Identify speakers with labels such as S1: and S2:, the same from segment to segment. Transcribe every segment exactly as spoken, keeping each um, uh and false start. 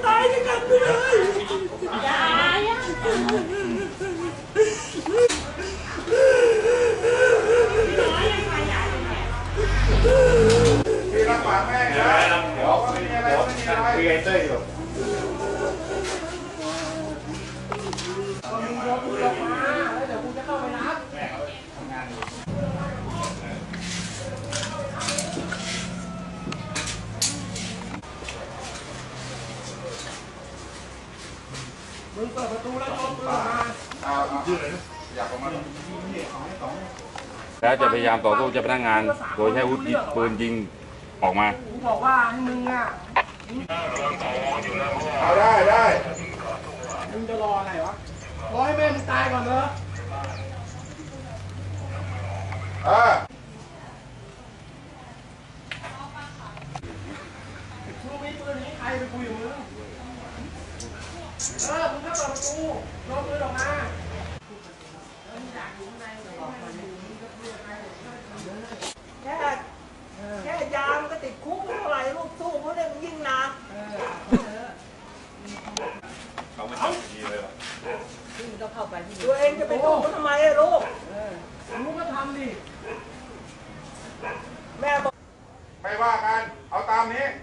S1: ตายด้วยกันไปเลยยายอ่ะ
S2: พี่รักษาแม่นะเดี๋ยวไม่มีอะไรไม่มีอะไรคุยกันเต้ยอยู่
S1: มึงยกมือออกมาแล้วเดี๋ยวกูจะเข้าไปรับ
S2: แม่เขาทำงานอยู่
S1: มึงเปิดประตูแล้วยกมือออกมา
S2: เอาเอายืดเลยอยากออกมา
S3: แล้วจะพยายามต่อสู้เจ้าพนักงานโดยใช้อาวุธปืนยิงออกมา
S1: กูบอกว่าให้มึงอ่ะ
S2: เอาได้ได้
S1: มึงจะรออะไรวะรอให้แม่มึงตายก่อนเนอะ
S2: เออ
S1: มึงมีปืนนี้ใครไปคุยกับมึงเออมึงก็เปิดประตูยกมือออกมาแค่แค่ยามก็ติดคุกเท่าไหร่ลูกสู้เขาเนี่ยมันยิ่งหนัก
S2: เขาไม่ทำดีเลยหรอ
S1: ตัวเองจะไปสู้เขาทำไมอะลูกลูกก็ทำดิแม่บอก
S2: ไม่ว่ากันเอาตามนี้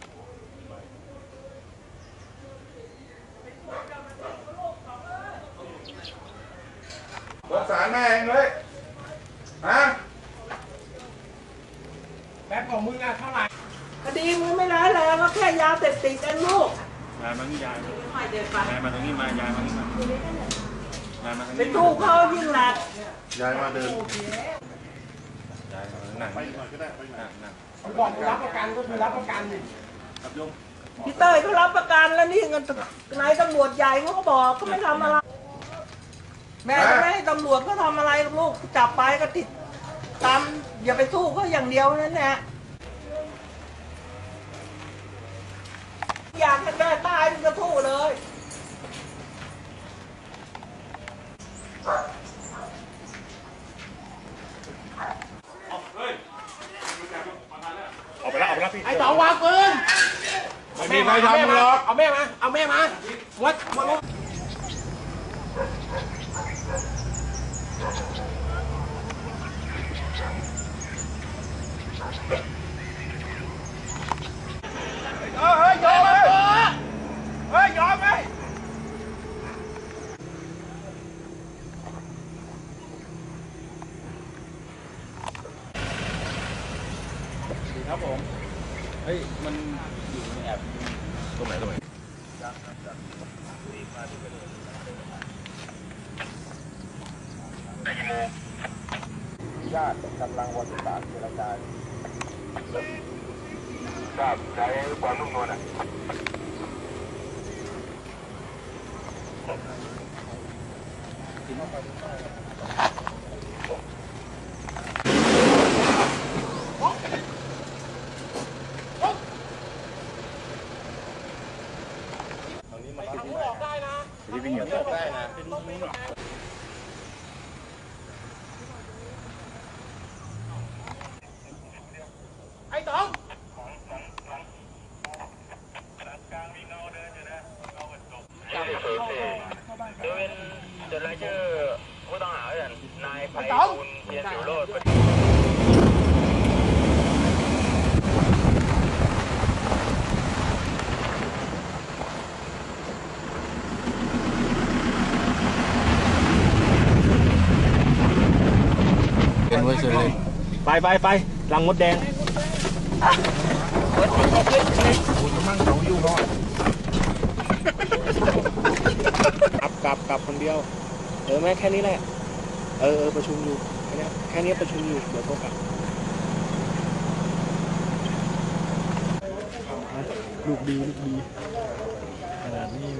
S2: สงสารแม่เองเลยฮะ
S1: แป๊บของมึงอะเท่าไหร่คดีมึงไม่ร้ายแรงก็แค่ยาเสพติดเองลูก
S3: ยายมาที่ยายยายมาตรงนี้มายายมาที่มายายมาตรงนี้
S1: เป็นลูกเขายิ่งหนัก
S2: ยายมาเดิน
S3: ยายมาหนังไปหน่อยก็ได้ไปหนังหนัง
S1: บอกรับประกันก็คือรับประกันนี่พี่เต้ยเขารับประกันแล้วนี่เงินนายตำรวจใหญ่เขาก็บอกก็ไม่ทำอะไรแม่จะไม่ให้ตำรวจก็ทำอะไรลูกจับไปก็ติดตามอย่าไปสู้ก็อย่างเดียวนั่นแหละอยากให้แม่ตายมึงก็สู้เลย
S2: ออกไปแล้วออกไปแล้วพี่
S1: ไอ้สองวางปืน
S2: ไม่มีใครทำหรอก
S1: เอาแม่มาเอาแม่มาวัดวัดเฮ้ยยอมไหมเฮ้ยยอมไหม
S3: ดีครับผมเฮ้ยมันอยู่ในแอบตรงไหนตรงไหน
S2: ญาติกำลังวันที่สามเจรจาทราบใช้ความนุ่มนวลอ่ะ
S1: ออกได้นะ
S3: ที่วิ่งอย่างได้นะ
S1: ไอ้ต๋อง
S4: โดยเป็นจดรายชื่อผู้ต้องหาอย่างนายไพฑูรย์เทียนสิวโรจน์
S3: เป็นไว้เฉยไปไปไปลังมดแดงคุณมั่งเขาอยู่ก่อนกลับกลับกลับคนเดียวเออแม่แค่นี้แหละเออเออประชุมอยู่แค่นี้แค่นี้ประชุมอยู่เดี๋ยวโทรกลับลูกดีลูกดีขนาดนี้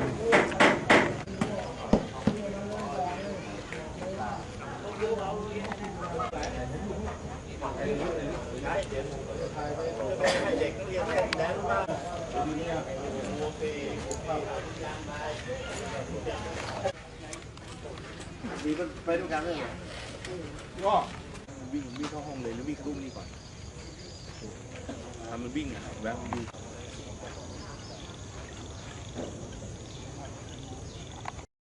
S2: มีไปด้วยกันเลยก็
S3: วิ่งวิ่งเข้าห้องเลยหรือวิ่งเข้าตู้นี่ก่อนทำมันวิ่งอ่ะแวะดู